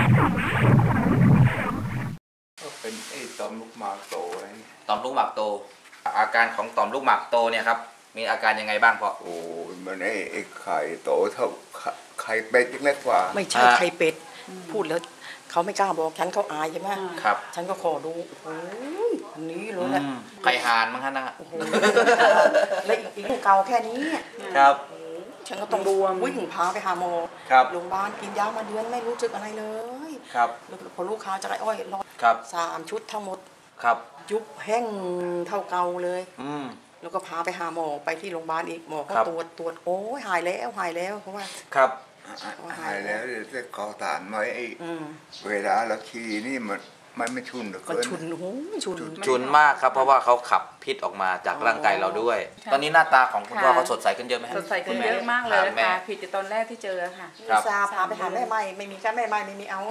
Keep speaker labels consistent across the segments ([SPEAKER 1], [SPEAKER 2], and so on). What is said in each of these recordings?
[SPEAKER 1] ก็เป็นไอ้ต่อมลูกหมากโตอะไร
[SPEAKER 2] ต่อมลูกหมากโตอาการของต่อมลูกหมากโตเนี่ยครับมีอาการยังไงบ้างพ่อ
[SPEAKER 1] โอ้มันไอ้ไข่โตเท่าไข่เป็ดยังเล็กกว่า
[SPEAKER 3] ไม่ใช่ไข่เป็ดพูดแล้วเขาไม่กล้าบอกฉันเขาอายใช่ไหม
[SPEAKER 2] ครับ
[SPEAKER 3] ฉันก็ขอดูโอ้ยคนนี้เลยแหละ
[SPEAKER 2] ไข่ห่านมั้งฮะนะ
[SPEAKER 3] แล้วอีกเก่าแค่นี้
[SPEAKER 2] ครับ
[SPEAKER 3] ฉันก็ต้องดูวิ่งพาไปหาหมอโรงพยาบาลกินยามาเดือนไม่รู้สึกอะไรเลย
[SPEAKER 2] ครับ
[SPEAKER 3] พอลูกค้าจะไอ้อ้อยรอ3 ชุดทั้งหมด
[SPEAKER 2] ครับ
[SPEAKER 3] ยุบแห้งเท่าเก่าเลยแล้วก็พาไปหาหมอไปที่โรงพยาบาลอีกหมอก็ตรวจโอ้ยหายแล้วเพราะว่า
[SPEAKER 1] ครับหายแล้วแต่ขอถามหน่อยไอ้เวลาเราขี่นี่มันไม่ชุนหรือ
[SPEAKER 3] มันชุนโอ้ย
[SPEAKER 2] ชุนมากครับเพราะว่าเขาขับพิษออกมาจากร่างกายเราด้วยตอนนี้หน้าตาของคุณพ่อเขาสดใสขึ้นเยอะไหม
[SPEAKER 4] สดใสขึ้นเยอะมากเลยค่ะผิดจากตอนแรกที่เจอค่ะ
[SPEAKER 3] ซาพาไปหาแม่ใหม่ไม่มีแค่แม่ใหม่ไม่มีเอา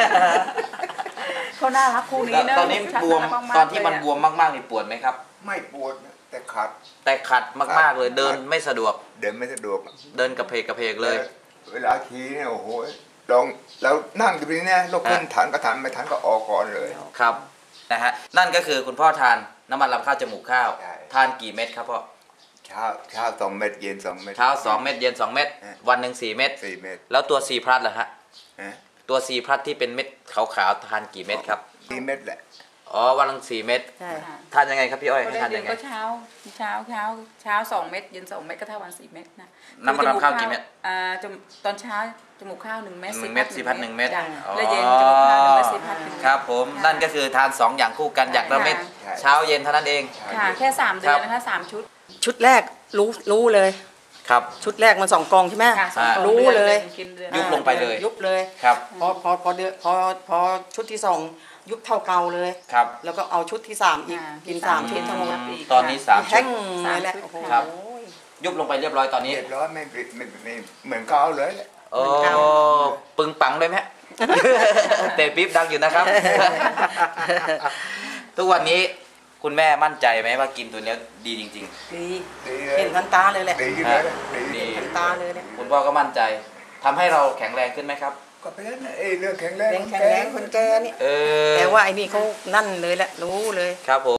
[SPEAKER 3] เขาน่ารักคู่นี้เนอะ
[SPEAKER 2] ตอนนี้บวมตอนที่มันบวมมากๆนี่ปวดไหมครับ
[SPEAKER 1] ไม่ปวดแต่ขัด
[SPEAKER 2] มากๆเลยเดินไม่สะดวก
[SPEAKER 1] เดิน
[SPEAKER 2] กระเพกเลย
[SPEAKER 1] เวลาขี่เนี่ยโอ้โหลองแล้วนั่งอยู่ที่นี่ลุกขึ้นทันก็ทันไม่ทันก็ออกก่อนเลย
[SPEAKER 2] ครับนะฮะนั่นก็คือคุณพ่อทานน้ำมันลำข้าวจมูกข้าวทานกี่เม็ดครับพ่อ
[SPEAKER 1] เช้า2 เม็ดเย็น2 เม็ด
[SPEAKER 2] เช้า2 เม็ดเย็น2 เม็ดวันหนึ่ง4 เม็ดแล้วตัวซีพลัสเหรอฮะตัวซีพลัสที่เป็นเม็ดขาวๆทานกี่เม็ดครับ
[SPEAKER 1] 4 เม็ดแหละ
[SPEAKER 2] อ๋อวันละ4 เม็ดทานยังไงครับพี่อ้อยทานยังไง
[SPEAKER 4] ก็เช้า2 เม็ดเย็น2 เม็ดก็เท่าวัน4 เม็ดนะ
[SPEAKER 2] น้ำมันลำข้าวกี่เม็ด
[SPEAKER 4] ตอนเช้าจมูกข้าว1 เม็ด
[SPEAKER 2] ซีพัด1 เม็ด
[SPEAKER 4] แล้วเย็นจมูกข้าว1 เม็ดซีพัด1 เม็ด
[SPEAKER 2] ครับผมนั่นก็คือทาน2 อย่างคู่กันอย่างละเม็ดเช้าเย็นเท่านั้นเอง
[SPEAKER 4] ค่ะแค่3 เดือนนะคะ3 ชุด
[SPEAKER 3] แรกรู้เลย
[SPEAKER 2] ครับ
[SPEAKER 3] ชุดแรกมัน2 กองใช่ไหมรู้เลย
[SPEAKER 2] ยุบลงไปเลย
[SPEAKER 3] ยุบเลย
[SPEAKER 2] ครับ
[SPEAKER 3] พอชุดที่2ยุบเท่าเก่าเลย
[SPEAKER 2] ครับ
[SPEAKER 3] แล้วก็เอาชุดที่3อีกกิน3 ชุดทั้งหมด
[SPEAKER 2] ตอนนี้3 ชุด
[SPEAKER 3] เลยแหละ
[SPEAKER 2] ครับยุบลงไปเรียบร้อยตอนนี้
[SPEAKER 1] เรียบร้อยไม่เหมือนเก่าเลย
[SPEAKER 2] โอ้ปึงปังเลยไหมเตะปิ๊บดังอยู่นะครับทุกวันนี้คุณแม่มั่นใจไหมว่ากินตัวนี้ดีจริง
[SPEAKER 3] ๆดีเห็นทันตาเลยแหละ
[SPEAKER 1] ดี
[SPEAKER 3] ทันตาเลยเนี่ย
[SPEAKER 2] คุณพ่อก็มั่นใจทำให้เราแข็งแรงขึ้นไหมครับ
[SPEAKER 1] ก็เป็นเรื่องแข็งแรง
[SPEAKER 3] คนแก่นี่แต่ว่าไอ้นี่เขานั่นเลยแหละรู้เลย
[SPEAKER 2] ครับผม